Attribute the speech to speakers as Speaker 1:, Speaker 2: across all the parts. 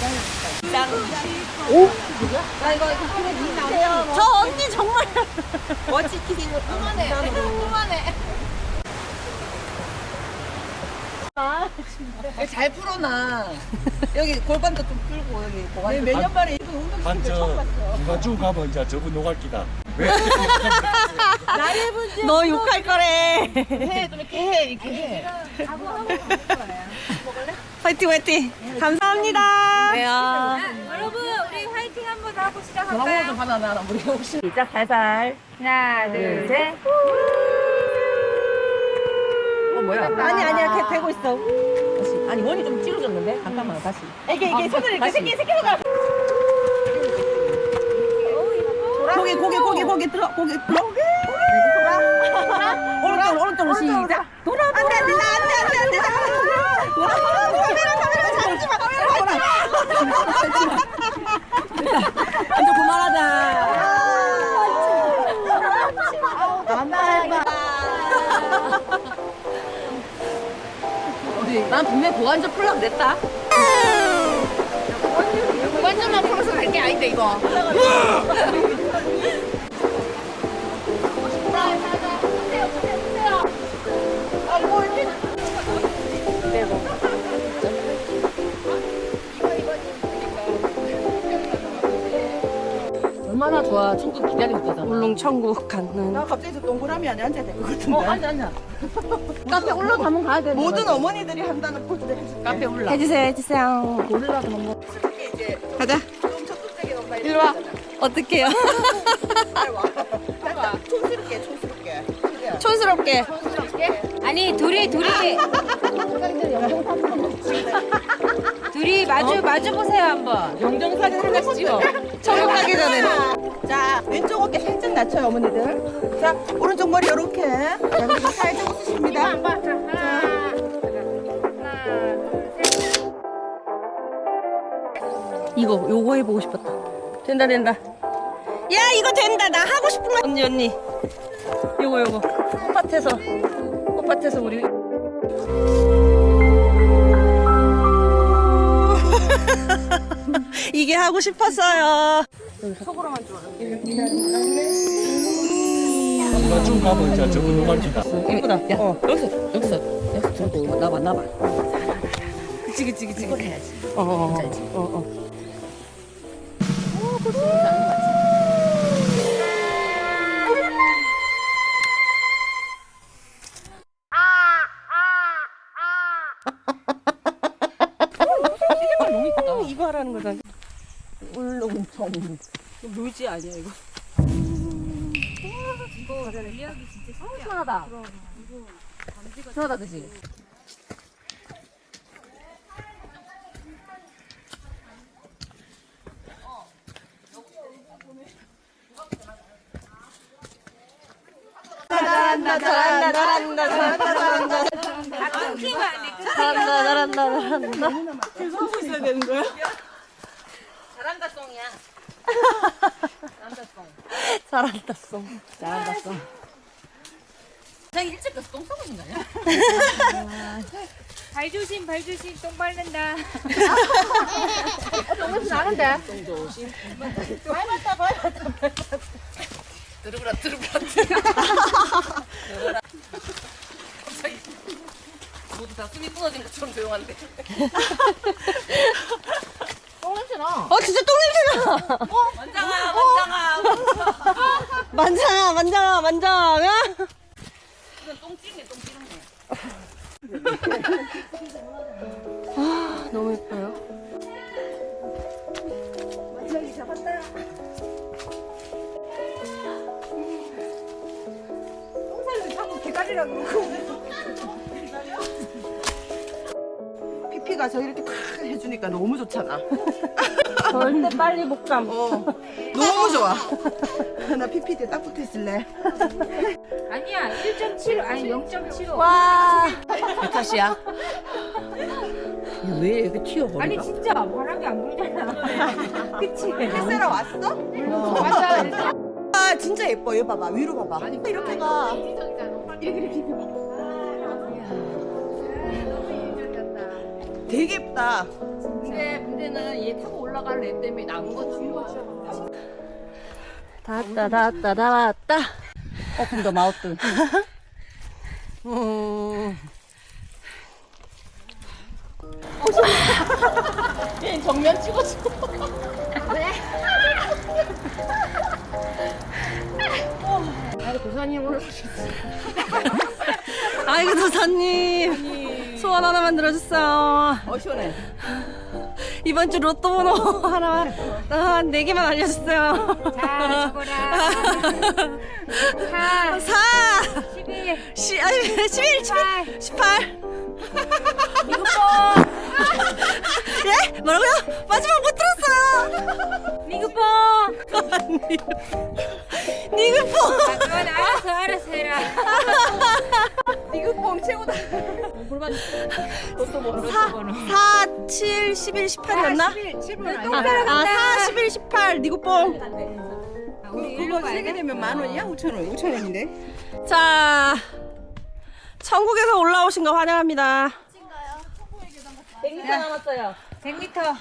Speaker 1: 오? 나 이거 그래 주세요.
Speaker 2: 저 언니 정말
Speaker 1: 멋지게 생겼다. 그만해. 그만해. 잘 풀어놔. 여기 골반도 좀 풀고 여기 고관. 몇 년 만에 이쁜 운동시키는 처음 봤어.
Speaker 3: 중간중 가면 이제 저분 노갈기다. 왜?
Speaker 1: 나의 문제.
Speaker 2: 너 욕할 거래.
Speaker 1: 해, 좀 이렇게 해, 이렇게 해.
Speaker 2: 화이팅 화이팅. 감사합니다.
Speaker 4: 네, 여러분 우리 화이팅 한번 하고
Speaker 1: 전화번호
Speaker 4: 시작할까요?
Speaker 1: 좀 받아놔. 우리 혹시 시작 살살.
Speaker 4: 하나 둘셋
Speaker 1: 뭐야?
Speaker 2: 아니야 걔 되고 있어.
Speaker 1: 다시. 아니 원이 좀 찌러졌는데? 잠깐만 다시. 이게 손을 이렇게 새끼가.
Speaker 2: 고개 들어 고개 들어. 오른쪽으로 시작. 돌아. 안돼 돌아.
Speaker 1: 이제 그만하자. 난 분명 고관절 풀려고 냈다. 고관절만 풀어서 갈 게 아닌데 이거. 얼마나 좋아. 천국 기다리고 있잖아.
Speaker 2: 울릉 천국 가는.
Speaker 5: 나 갑자기 저 동그라미 안에 앉아야 될 것 같은데.
Speaker 1: 앉아. 카페 올라가면 가야 돼.
Speaker 5: 모든 어머니들이 한다는 포즈를 해줄게.
Speaker 1: 카페 올라.
Speaker 2: 해주세요.
Speaker 1: 올라가서 한번.
Speaker 5: 이게 이제
Speaker 2: 가자.
Speaker 5: 좀 적극적인 엄마
Speaker 2: 일로 와. 어떡해요?
Speaker 5: 잘 와. 해봐. 촌스럽게. 그래.
Speaker 2: 촌스럽게.
Speaker 4: 아니 둘이 마주 보세요 한번.
Speaker 1: 영정사진 하나씩 찍어.
Speaker 2: 천국 가기 전에.
Speaker 5: 자, 왼쪽 어깨 살짝 낮춰요, 어머니들. 자, 오른쪽 머리 요렇게. 자, 그리고 살짝 웃으십니다.
Speaker 2: 요거 해보고 싶었다. 된다. 야 이거 된다. 나 하고 싶은 거. 언니. 요거. 꽃밭에서 우리. 이게 하고 싶었어요.
Speaker 3: 중간중 가면 이제 저분 노갈기다.
Speaker 1: 예쁘다. 야, 여기서 들고 나봐.
Speaker 2: 그치.
Speaker 1: 이걸 해야지.
Speaker 2: 어.
Speaker 1: 너무 이쁘다.
Speaker 2: 이거 하라는 거잖아.
Speaker 1: 울렁청.
Speaker 2: 묘지 아니야 이거?
Speaker 1: 시원하다. 시원하다, 그지?
Speaker 2: 잘한다.
Speaker 5: 하고 있어야 되는 거야?
Speaker 1: 잘한다, 송이야.
Speaker 2: 잘한다 송.
Speaker 1: 나 일찍 가서 똥 싸고 있는 거 아니야?
Speaker 4: 발 조심 똥 밟는다.
Speaker 1: 똥냄새 나는데?
Speaker 5: 발 조심.
Speaker 1: 들으라. 갑자기 모두 다 숨이 끊어진 것처럼 조용한데. 똥냄새 나.
Speaker 2: 진짜 똥 냄새나. 만장아.
Speaker 1: 이건 똥찌네.
Speaker 2: 너무 예뻐요.
Speaker 5: 완전히 잡았다. 똥살을 자꾸 기다리라 그러고. 피피가 저 이렇게 탁 해주니까 너무 좋잖아.
Speaker 2: 절대 빨리 복감.
Speaker 5: 너무 좋아. 나 피피 때 딱 붙어 있을래.
Speaker 4: 아니야 1.7 아니 0.75.
Speaker 2: 와.
Speaker 1: 내 탓이야. 왜 이렇게 튀어버려?
Speaker 4: 아니 진짜 바람이 안 불잖아. 그치?
Speaker 5: 햇세라 왔어?
Speaker 4: 맞아.
Speaker 5: 아 진짜 예뻐. 얘 봐봐. 위로 봐봐. 이렇게 가. 이렇게 피피 봐. 되게 예쁘다.
Speaker 4: 근데 문제는
Speaker 1: 얘는 얘 타고 올라갈 애 때문에 남은 거 주는 거지.
Speaker 2: 다 왔다.
Speaker 1: 오픈 더 마우스. 얘 정면 찍어줘.
Speaker 2: 아이고 도사님 소원 하나만 들어주세요.
Speaker 1: 시원해.
Speaker 2: 이번 주 로또 번호 하나만 한 4개만 알려주세요.
Speaker 4: 자, 적어라. 4,
Speaker 2: 4
Speaker 4: 11,
Speaker 2: 11 18 예? 뭐라고요? 마지막 못 들었어요.
Speaker 4: 미국봉.
Speaker 2: 니그폰
Speaker 4: 아, 그건 알아서 해라.
Speaker 1: 니그뽕 최고다. 골반. 로또 번호.
Speaker 2: 4 7 11 18이었나?
Speaker 1: 7분
Speaker 2: 아 4 11 18 니그뽕.
Speaker 4: 우리 일로
Speaker 1: 그거
Speaker 4: 가야
Speaker 1: 3개
Speaker 4: 돼?
Speaker 1: 되면 10,000원이야? 5,000원. 5,000원인데?
Speaker 2: 자 천국에서 올라오신 거 환영합니다.
Speaker 1: 100m 남았어요.
Speaker 4: 100m.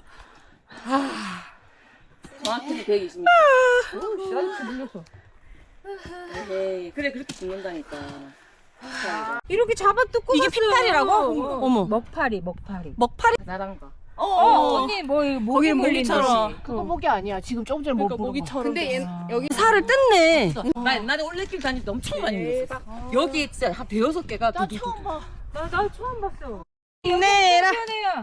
Speaker 1: 정확히 120m. 물렸어. 에이, 그래 그렇게 죽는다니까.
Speaker 4: 이렇게 잡아 뜯고
Speaker 2: 이게
Speaker 4: 갔어요.
Speaker 2: 핏발이라고? 어머.
Speaker 4: 먹파리.
Speaker 2: 먹파리?
Speaker 1: 나랑가.
Speaker 4: 언니 뭐 목이 물린다지.
Speaker 5: 그거 목이 아니야. 지금 조금 전에 목
Speaker 1: 모기처럼. 근데 얘 여기
Speaker 2: 살을 뜯네.
Speaker 1: 나 옛날에 올레길 다닐 때 엄청 많이 물렸어. 여기 진짜 한 대여섯 개가
Speaker 5: 나 처음 봐.
Speaker 4: 나 처음 봤어.
Speaker 2: 힘내라.
Speaker 4: 시원해요.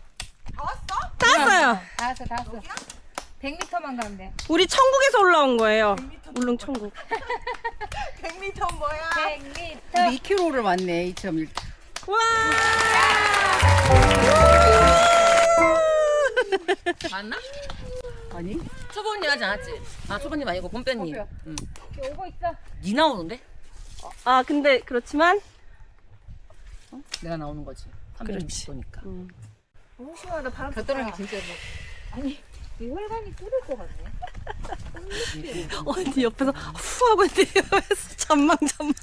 Speaker 2: 땄어요.
Speaker 4: 다 왔어. 100m만 가면 돼.
Speaker 2: 우리 천국에서 올라온 거예요. 울릉 천국.
Speaker 5: 100m 뭐야?
Speaker 4: 100m.
Speaker 1: 2km를 왔네 2.1.
Speaker 2: 와!
Speaker 1: 맞나? 아니? 초보님 하지 않았지? 아 초보님 아니고 봄빼님. 응.
Speaker 4: 오고 있어.
Speaker 1: 니 나오는데?
Speaker 2: 아 근데 그렇지만
Speaker 1: 내가 나오는 거지.
Speaker 2: 그렇지.
Speaker 1: 360도니까.
Speaker 4: 너무 시원하다. 바람
Speaker 1: 곁들여기 진짜
Speaker 4: 아니 이 혈관이 뚫을 것 같네.
Speaker 2: 언니 옆에서 후 하고 있는데 옆에서 잠망.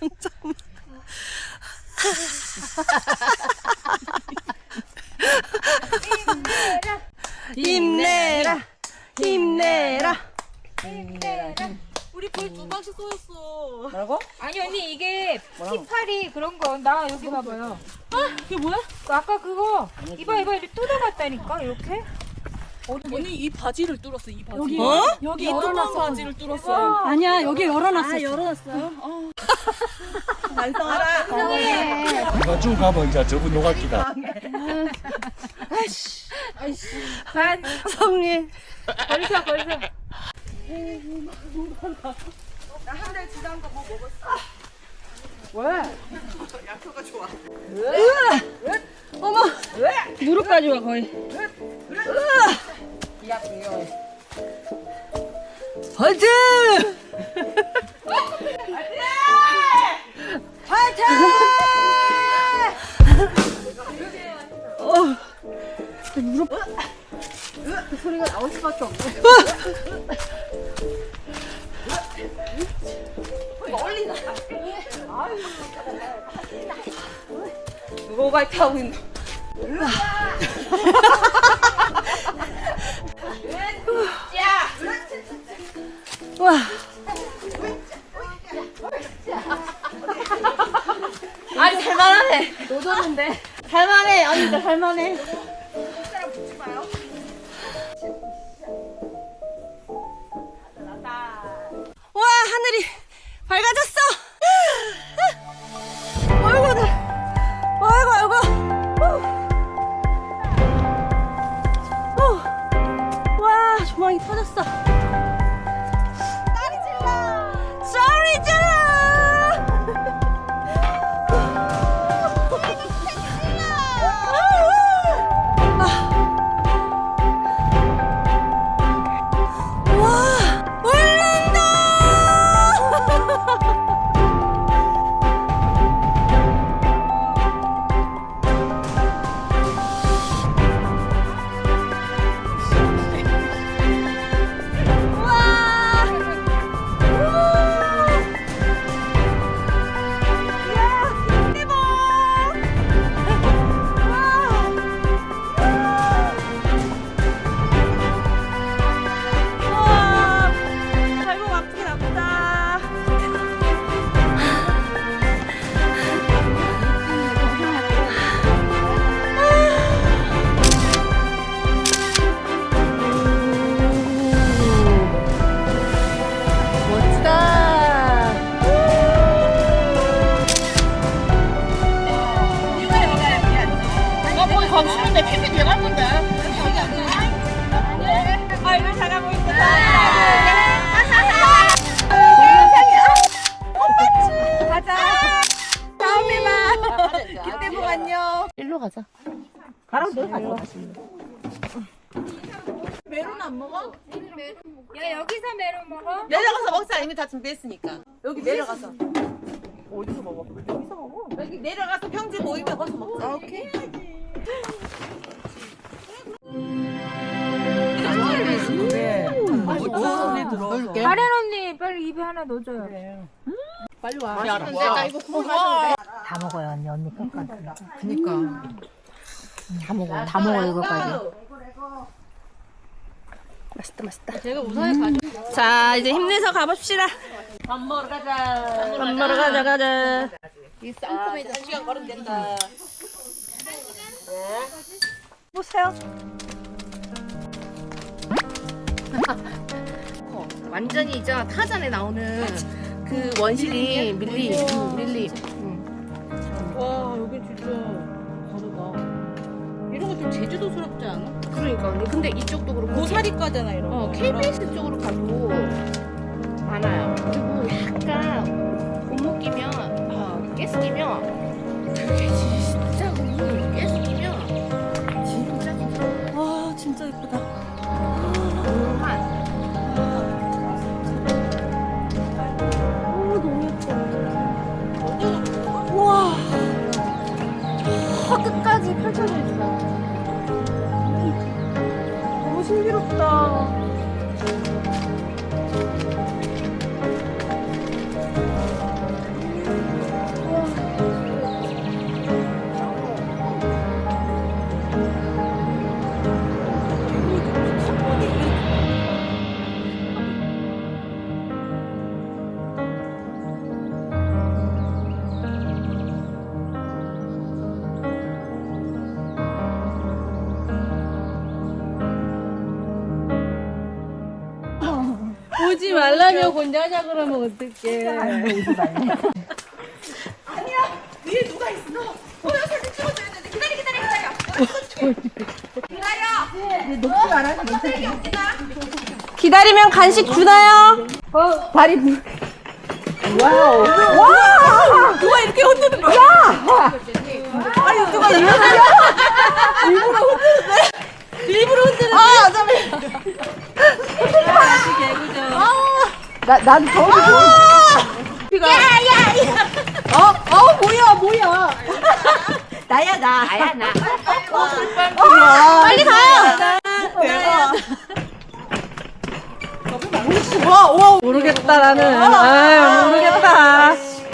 Speaker 2: 힘내라.
Speaker 5: 우리 거의 2방씩 쏘였어.
Speaker 1: 뭐라고?
Speaker 4: 아니 언니 이게 피파리 그런 거 나 여기 봐봐요.
Speaker 2: 이게 뭐야?
Speaker 4: 아까 그거 이봐 이렇게 뜯어봤다니까 이렇게.
Speaker 5: 언니 이 바지를 뚫었어. 이 바지.
Speaker 2: 여기
Speaker 5: 이 뚜껑 바지를 뚫었어요.
Speaker 2: 아니야 여기 열어놨어.
Speaker 5: 반성하라.
Speaker 3: 누가 쭉 가면 이제 저분 노갈기다.
Speaker 4: 반
Speaker 2: 성님.
Speaker 4: 벌써.
Speaker 5: 나 한 달 지난 거 뭐 먹었어? 약효가 좋아.
Speaker 2: 어머. 무릎까지 와 거의.
Speaker 1: 야 중요해.
Speaker 2: 화이팅! 무릎
Speaker 5: 그 소리가 나올 수밖에 없어.
Speaker 1: 누가 오바이트 하고 있는?
Speaker 2: 와.
Speaker 1: 아니 살만하네.
Speaker 5: 노졌는데.
Speaker 1: 살만해. 언니들 살만해.
Speaker 5: 사람 붙지 마요.
Speaker 2: 와 하늘이 밝아졌어. 아이고. 와 조망이 터졌어. 소리 질러. 가자.
Speaker 5: 가라고 내려가자. 메론 안 먹어?
Speaker 4: 야 여기서 메론 먹어?
Speaker 5: 내려가서 먹자. 이미 다 준비했으니까. 여기 내려가서. 어디서 먹어? 여기서 먹어. 여기 내려가서 평지 모이면 거기서 먹자. 오케이.
Speaker 4: 가렌 언니 빨리 입에 하나 넣어줘요.
Speaker 5: 빨리 와. 야, 이거 먹어.
Speaker 4: 다 먹어요 언니. 언니 끝까지.
Speaker 5: 그니까.
Speaker 4: 다 먹어. 다 먹어 이거까지.
Speaker 2: 맛있다 맛있다. 제가 우산에 가져. 자 이제 힘내서 가봅시다.
Speaker 1: 밥 먹으러 가자.
Speaker 2: 밥 먹으러 가자.
Speaker 1: 이 쌍콤에도 1시간 걸으면 된다.
Speaker 2: 보세요. 완전히 이제 타잔에 나오는 그 원시리 밀리.
Speaker 1: 와, 여기 진짜 다르다. 이런 거 좀 제주도스럽지 않아?
Speaker 2: 그러니까 언니. 근데 이쪽도 그렇고
Speaker 1: 고사리과잖아, 이런 거.
Speaker 2: KBS 쪽으로 가도 많아요. 그리고 약간 골목이면 가스 끼면 되게 진짜 가스 끼면 진짜 와 진짜 예쁘다. 끝까지 펼쳐져 있어. 너무 신비롭다.
Speaker 1: 오지 말라며 혼자 하자 그러면 어떡해.
Speaker 5: 오지 말래. 아니야. 위에 누가 있어. 사진 찍어줘야 되는데. 기다려. 녹지 말아서 괜찮아.
Speaker 2: 기다리면 간식 주나요?
Speaker 5: 발이 와우. 와! 누가 이렇게 흔드는 거야? 아니 누가 일부러 흔드는데? 일부러 흔드는데? 아, 잠깐만. 난 더워서 뭐야. 나야, 나.
Speaker 2: 빨리 가요.
Speaker 5: 와.
Speaker 2: 모르겠다 나는. 모르겠다.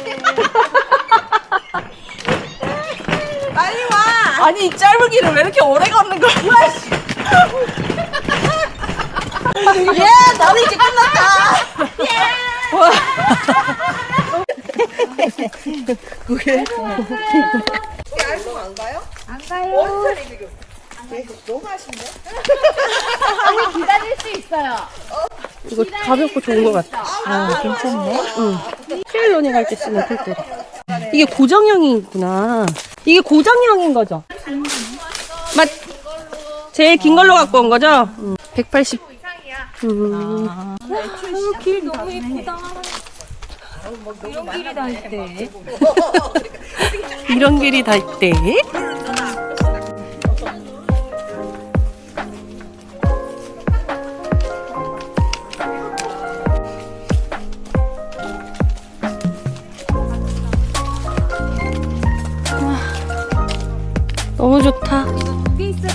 Speaker 5: 빨리 와. 아니, 이 짧은 길을 왜 이렇게 오래 걷는 거야? 예, 나는 이제 끝났다. 예. 와. 그게 알고 안 가요?
Speaker 4: 안 가요.
Speaker 5: 원산이 지금. 너무 아쉽네.
Speaker 4: 기다릴 수 있어요.
Speaker 2: 이거 가볍고 좋은 것 같아.
Speaker 4: 괜찮네.
Speaker 2: 트레일러닝 할 때 쓰는 폴대. 이게 고정형이구나. 이게 고정형인 거죠? 맞. 제일 긴 걸로 갖고 온 거죠? 180.
Speaker 4: 길 너무 예쁘다. 이런 길이 다 있대.
Speaker 2: 이런 길이 다 있대. 너무 좋다.
Speaker 4: 여기 있어.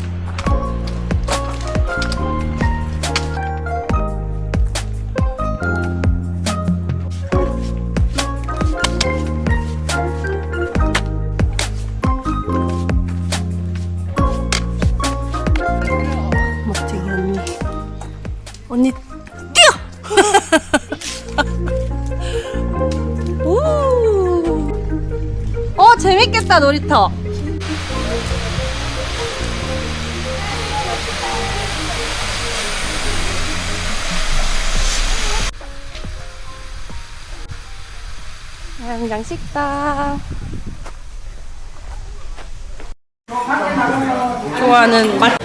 Speaker 2: 멋쟁이 언니. 언니 뛰어! 오! 재밌겠다 놀이터. 양장 식당. 좋아하는 맛.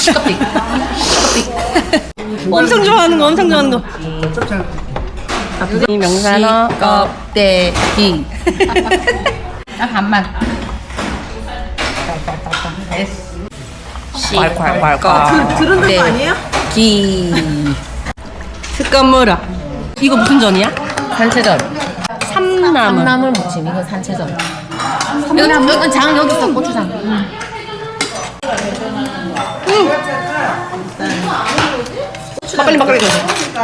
Speaker 2: 엄청 좋아하는 거, 엄청 좋아하는 거. 이 명산어 껍데기.
Speaker 4: 나 반만.
Speaker 2: 콸콸콸콸.
Speaker 5: 들은 거 아니에요?
Speaker 2: 기. 색감 뭐라? 이거 무슨 전이야?
Speaker 6: 산채전.
Speaker 2: 삼나물.
Speaker 6: 콩나물 무침. 이거 산채전. 이건 장 여기 있어. 고추장.
Speaker 2: 빨리 막걸리 줘.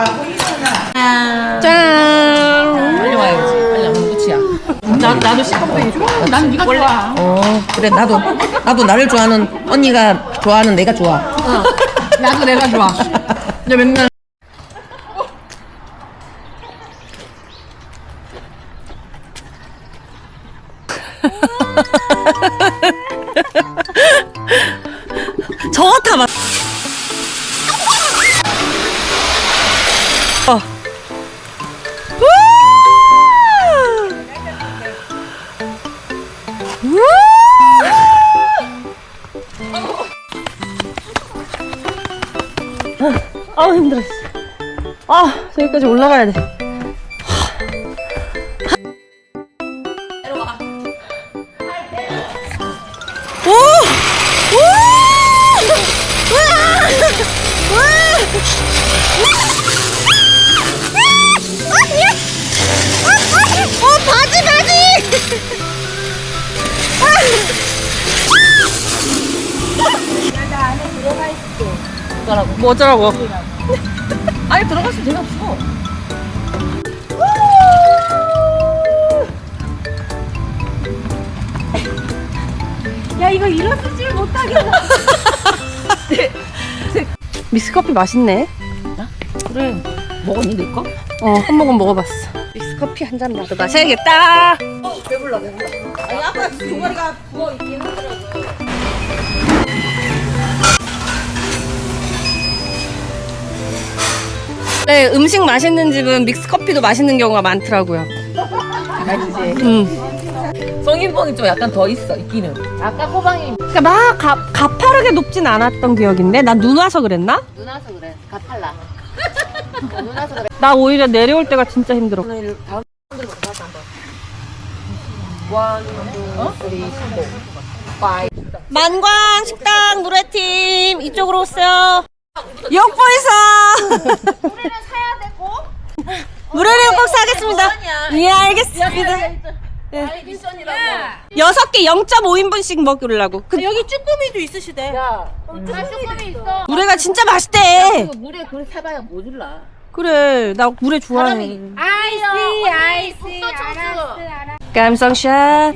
Speaker 2: 짠.
Speaker 6: 빨리 와야지. 빨리 안 끝이야.
Speaker 5: 나도 시커멓게 좋아. 난 네가 좋아.
Speaker 6: 그래 나도 나를 좋아하는 언니가 좋아하는 내가 좋아.
Speaker 5: 나도 내가 좋아. 근데 맨날
Speaker 2: 저타 맞. 아우 힘들어. 아 저기까지 올라가야 돼. 오! 오! 뭐 어쩌라고?
Speaker 5: 아니 들어갔으면 재미없어.
Speaker 4: 야 이거 일어서질 못하겠어.
Speaker 2: 믹스커피 맛있네.
Speaker 6: 그래. 먹었니 내 거?
Speaker 2: 한 모금 먹어봤어. 믹스커피 한 잔 나도 마셔야겠다.
Speaker 5: 아니 아까 종아리가 부어 있긴 하더라고.
Speaker 2: 네, 음식 맛있는 집은 믹스커피도 맛있는 경우가 많더라고요.
Speaker 6: 성인봉이 좀 약간 더 있어 있기는. 아까 호방이
Speaker 2: 그러니까 막 가파르게 높진 않았던 기억인데 난 눈 와서 그랬나?
Speaker 6: 눈 와서 그래. 가팔라. 눈 와서 그래.
Speaker 2: 나 오히려 내려올 때가 진짜 힘들어. 만광 식당 노래팀 이쪽으로 오세요. 욕보 있어.
Speaker 4: 노래는 사야 되고.
Speaker 2: 노래를 꼭 사겠습니다. 예 알겠습니다. 네. 6개 0.5인분씩 먹으려고.
Speaker 5: 여기 쭈꾸미도 있으시대.
Speaker 4: 쭈꾸미 있어.
Speaker 2: 물회가 진짜 맛있대.
Speaker 6: 물에 그걸 사봐야 뭐 줄라.
Speaker 2: 그래 나 물회 좋아해.
Speaker 4: 아이씨. 알았어.
Speaker 2: 감성샷.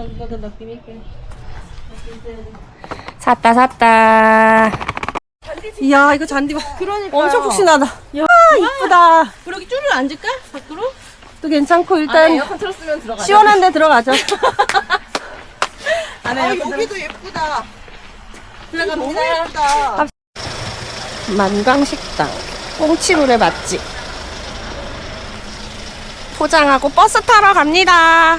Speaker 2: 샀다. 이야 이거 잔디 봐.
Speaker 5: 그러니까.
Speaker 2: 엄청 푹신하다. 야 이쁘다.
Speaker 5: 그러기 줄을 앉을까? 밖으로?
Speaker 2: 또 괜찮고 일단
Speaker 6: 에어컨 틀었으면 들어가.
Speaker 2: 시원한데 들어가죠.
Speaker 5: 아 여기도 예쁘다. 그래가 너무 예쁘다.
Speaker 2: 만광식당 꽁치물회 맛집. 포장하고 버스 타러 갑니다.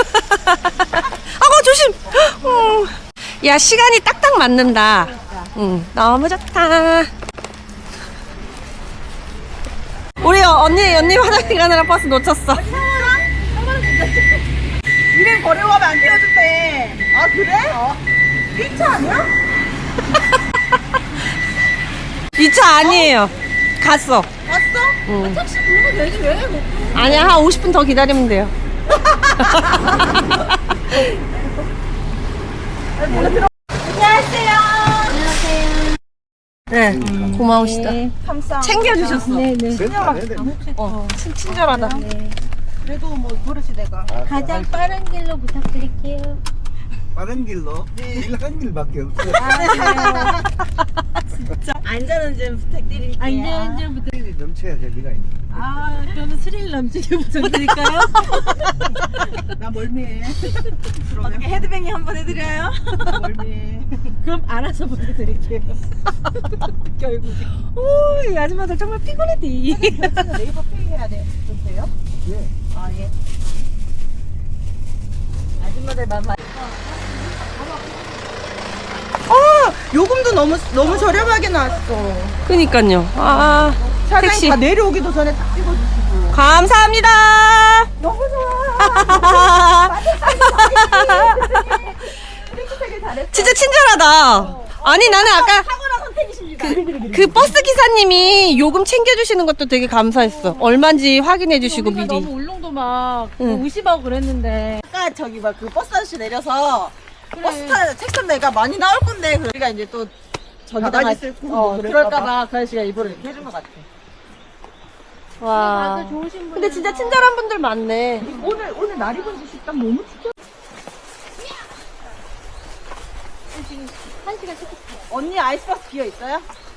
Speaker 2: 아고 조심. 야 시간이 딱딱 맞는다. 너무 좋다. 우리 언니 화장실 가느라 버스 놓쳤어.
Speaker 5: 이래 버려가면 안 떼어준대. 아 그래? 이 차 아니야?
Speaker 2: 이 차 아니에요. 갔어.
Speaker 5: 왔어? 택시 부르면 되지 왜?
Speaker 2: 아니야 한 50분 더 기다리면 돼요. 네, 고마우시다.
Speaker 5: 감사합니다.
Speaker 2: 챙겨주셨어.
Speaker 4: 네네.
Speaker 2: 친절하다.
Speaker 5: 그래도 뭐 버릇이 내가.
Speaker 4: 가장 빠른 길로 부탁드릴게요.
Speaker 7: 빠른 길로 한 길밖에 없어요.
Speaker 5: 안전은 좀 부탁드릴게요.
Speaker 4: 안전 부탁.
Speaker 7: 스릴이 넘쳐야 재미가 있는.
Speaker 5: 아 그러면 스릴 넘치게 부탁드릴까요? 나 멀미해. 어떻게 헤드뱅이 한번 해드려요? 멀미해. 그럼 알아서 보내드릴게요. 결국에. 오, 이 아줌마들 정말 피곤했디. 네이버 페이 해야 돼요?
Speaker 7: 예.
Speaker 5: 아 예. 아줌마들 만만. 요금도 너무 저렴하게 나왔어.
Speaker 2: 그니까요. 아,
Speaker 5: 사장님
Speaker 2: 택시.
Speaker 5: 다 내려오기도 전에 딱 찍어주시고.
Speaker 2: 감사합니다.
Speaker 5: 너무 좋아.
Speaker 2: 진짜 친절하다. 아니 나는 아까
Speaker 5: 탁월한 선택이십니다.
Speaker 2: 그 버스 기사님이 요금 챙겨주시는 것도 되게 감사했어. 얼마인지 확인해주시고
Speaker 4: 우리가
Speaker 2: 미리.
Speaker 4: 너무 울릉도 막
Speaker 2: 응.
Speaker 4: 의심하고 그랬는데
Speaker 5: 아까 저기 막 그 버스 아저씨 내려서 버스 타 책선 내가 많이 나올 건데 우리가 이제 또 저기다가
Speaker 1: 바가지 쓸 거
Speaker 5: 그럴까봐 그 아저씨가 일부러 이렇게 해준 것 같아.
Speaker 2: 와.
Speaker 4: 다들 좋으신 분.
Speaker 2: 근데 진짜 친절한 분들 많네.
Speaker 5: 오늘 날 입은 지 식당 너무 추워.
Speaker 4: 한 시간
Speaker 5: 언니 아이스박스 비어 있어요?